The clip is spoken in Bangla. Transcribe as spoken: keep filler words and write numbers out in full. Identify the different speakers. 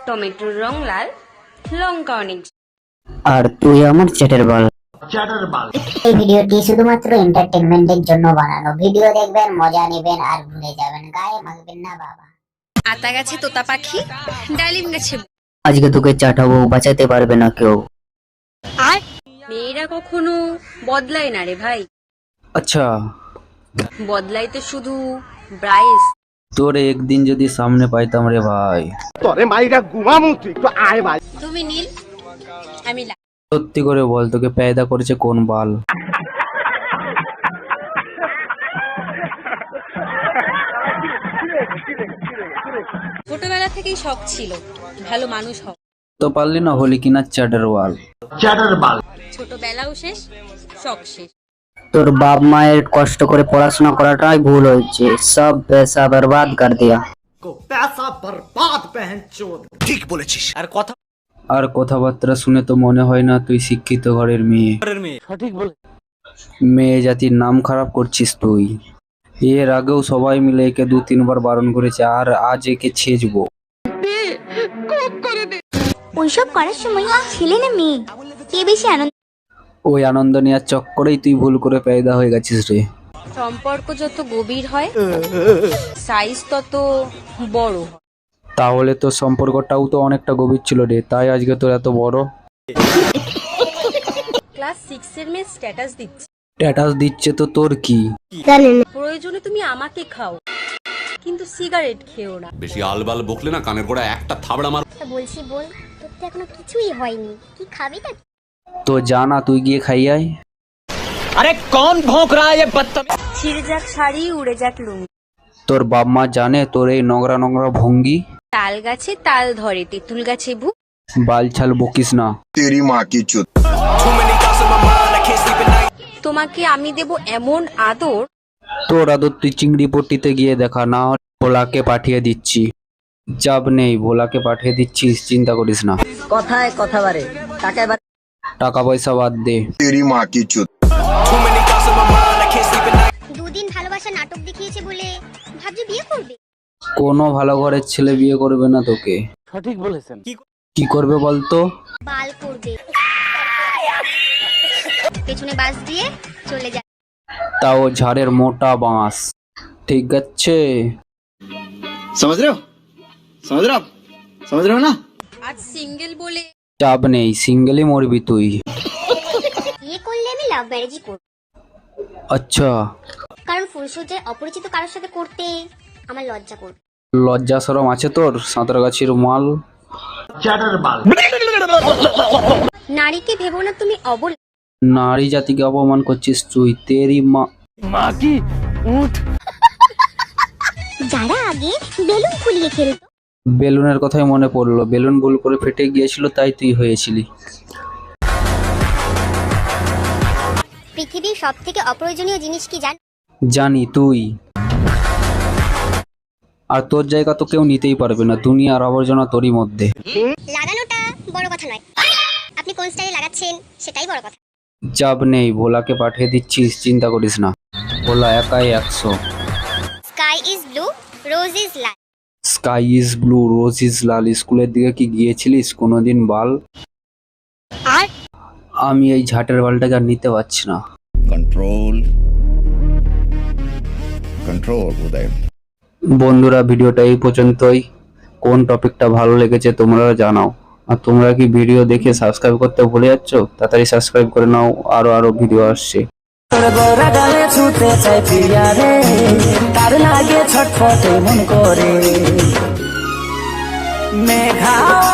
Speaker 1: টমেটোর রং লাল, লঙ্কা অনেক।
Speaker 2: আর তুই আমার চ্যাটের বল।
Speaker 3: এই ভিডিওটি শুধুমাত্র এন্টারটেইনমেন্টের জন্য বানানো। ভিডিও দেখবেন, মজা নেবেন আর ভুলে যাবেন, গায়ে মাখবেন না বাবা।
Speaker 1: আতা গাছে তোতা পাখি, ডালিম গাছে।
Speaker 2: আজকে তোকে চাটাবো, বাঁচাতে পারবে না কেউ।
Speaker 1: আর মেয়েরা কখনো বদলায় না রে ভাই।
Speaker 4: আচ্ছা,
Speaker 1: বদলায় তো শুধু ব্রাইস।
Speaker 4: তোর একদিন যদি সামনে পাইতাম রে ভাই।
Speaker 5: তোরে মাইরা ঘুমামু, তুই একটু আয় ভাই।
Speaker 1: তুমি নীল, আমি লাল।
Speaker 4: সত্যি করে বল, তোকে পেয়দা করেছে কোন বাল?
Speaker 1: ছোটবেলা থেকেই শখ ছিল ভালো মানুষ হও।
Speaker 4: তো পারলি না, হলি কিনা চ্যাটার ওয়াল।
Speaker 1: ছোটবেলাও শেষ, শখ শেষ।
Speaker 2: তোর বাপ মায়ের কষ্ট করে পড়াশোনা করাটাই ভুল হয়েছে, সব পয়সা বরবাদ কর দিয়া।
Speaker 4: আর কথাবার্তা শুনে তো মনে হয় না তুই শিক্ষিত ঘরের মেয়ে। মেয়ে জাতির নাম খারাপ করছিস তুই। এর আগেও সবাই মিলে একে দু তিনবার বারণ করেছে, আর আজ একে ছেঁচবো।
Speaker 3: ওইসব করার সময় ছেলে না মেয়ে, কে বেশি আনন্দ?
Speaker 4: ওই আনন্দ নেওয়ার চক্করেই তুই ভুল করে পেয়দা হয়ে গেছিস রে।
Speaker 1: সম্পর্ক যত গভীর হয়, সাইজ তত বড় হয়।
Speaker 4: তাহলে তো সম্পর্কটাও তো অনেকটা গভীর ছিল রে, তাই আজকে তোর এত বড়।
Speaker 1: ক্লাস সিক্স এর মেয়ে স্ট্যাটাস দিচ্ছে।
Speaker 4: স্ট্যাটাস দিচ্ছে তো তোর কি?
Speaker 1: প্রয়োজনে তুমি আমাকে খাও, কিন্তু সিগারেট খেও না।
Speaker 6: বেশি আলবাল বকলে না কানের গোড়া একটা থাবড়া মার।
Speaker 3: বলছি বল, তোর তো এখনো কিছুই হয়নি, কি খাবি তা?
Speaker 4: তো জানা, তুই গিয়ে খাই আয়।
Speaker 5: আরে কোন ভোঁক রা ये बदतमीज।
Speaker 1: ছিঁড়ে যাক শাড়ি, উড়ে যাক লুঙ্গি।
Speaker 4: তোর বাপ মা জানে তোর এই নোংরা নোংরা ভঙ্গি?
Speaker 1: তাল গাছে তাল ধরে, তেঁতুল গাছে ভূ।
Speaker 4: বাল ছাল বকিস না।
Speaker 7: तेरी माँ की चुत।
Speaker 1: তোমাকে আমি দেব এমন আদর,
Speaker 4: তোর আদর তুই চিংড়ি পট্টিতে গিয়ে দেখা, না হলে ভোলাকে পাঠিয়ে দিচ্ছি। চাপ নেই, ভোলাকে পাঠিয়ে দিচ্ছিস, চিন্তা করিস না।
Speaker 2: কথায় কথা বাড়ে, টাকা
Speaker 4: টাকা পয়সা বাদ দে।
Speaker 7: तेरी माँ की चुत।
Speaker 3: দুদিন ভালোবাসা নাটক দেখিয়েছে বলে ভাবছি বিয়ে করবে।
Speaker 4: কোনো ভালো ঘরের ছেলে বিয়ে করবে না তোকে।
Speaker 5: সঠিক বলেছেন।
Speaker 4: কি করবে বলতো?
Speaker 3: বাল করবে, পেছনে বাস দিয়ে চলে যায়।
Speaker 4: তাও ঝাড়ের মোটা বাঁশ। ঠিক আছে,
Speaker 7: समझ रहे हो समझ रहे हो आप समझ रहे हो ना।
Speaker 1: আজ সিঙ্গেল বলে
Speaker 4: চাপ নেই, সিঙ্গেলই মরবি তুই।
Speaker 3: বিয়ে করলে আমি লাভ ম্যারেজই করব,
Speaker 4: আচ্ছা,
Speaker 3: কারণ ফুলসজ্জায় অপরিচিত কারোর সাথে করতে আমার লজ্জা করবে।
Speaker 4: লজ্জা শরম আছে তোর? সাঁতরাগাছির মাল।
Speaker 3: নারীকে ভেবো না তুমি অবল,
Speaker 4: নারী জাতিকে অপমান করছিস তুই। তেরি মা।
Speaker 5: মা কি উঠ।
Speaker 3: যারা আগে বেলুন ফুলিয়ে খেলতো।
Speaker 4: বেলুনের কথাই মনে পড়লো, বেলুন ভুল করে ফেটে গিয়েছিল, তাই তুই হয়েছিলি।
Speaker 3: পৃথিবীর সব থেকে অপ্রয়োজনীয় জিনিস কি জান?
Speaker 4: জানি, তুই। আর তোর জায়গা তো কেউ নিতেই পারবে না, দুনিয়ার আবর্জনা তোরই মধ্যে।
Speaker 3: লাগানোটা বড় কথা নয়, আপনি কোন স্টাইলে লাগাচ্ছেন সেটাই বড় কথা।
Speaker 4: চাপ নেই, ভোলাকে পাঠিয়ে দিচ্ছিস, চিন্তা করিস না। ভোলা একাই একশো।
Speaker 3: Sky is blue, rose is লাল।
Speaker 4: Sky is blue, rose is লাল। স্কুলের দিকে কি গিয়েছিলিস কোনোদিন বাল?
Speaker 3: আর
Speaker 4: আমি এই ঝাটের বালটাকে আর নিতে পারছি না।
Speaker 7: Control control Uday.
Speaker 4: বন্ধুরা, ভিডিওটা এই পর্যন্তই। কোন টপিকটা ভালো লেগেছে তোমরা জানাও। আর তোমরা কি ভিডিও দেখে সাবস্ক্রাইব করতে ভুলে যাচ্ছ? তাড়াতাড়ি সাবস্ক্রাইব করে নাও, আরো আরো ভিডিও আসছে।
Speaker 2: তোর গোরা গালে ছুতে চাই প্রিয়া রে, তার লাগে ছটফটে মন করে মেঘা।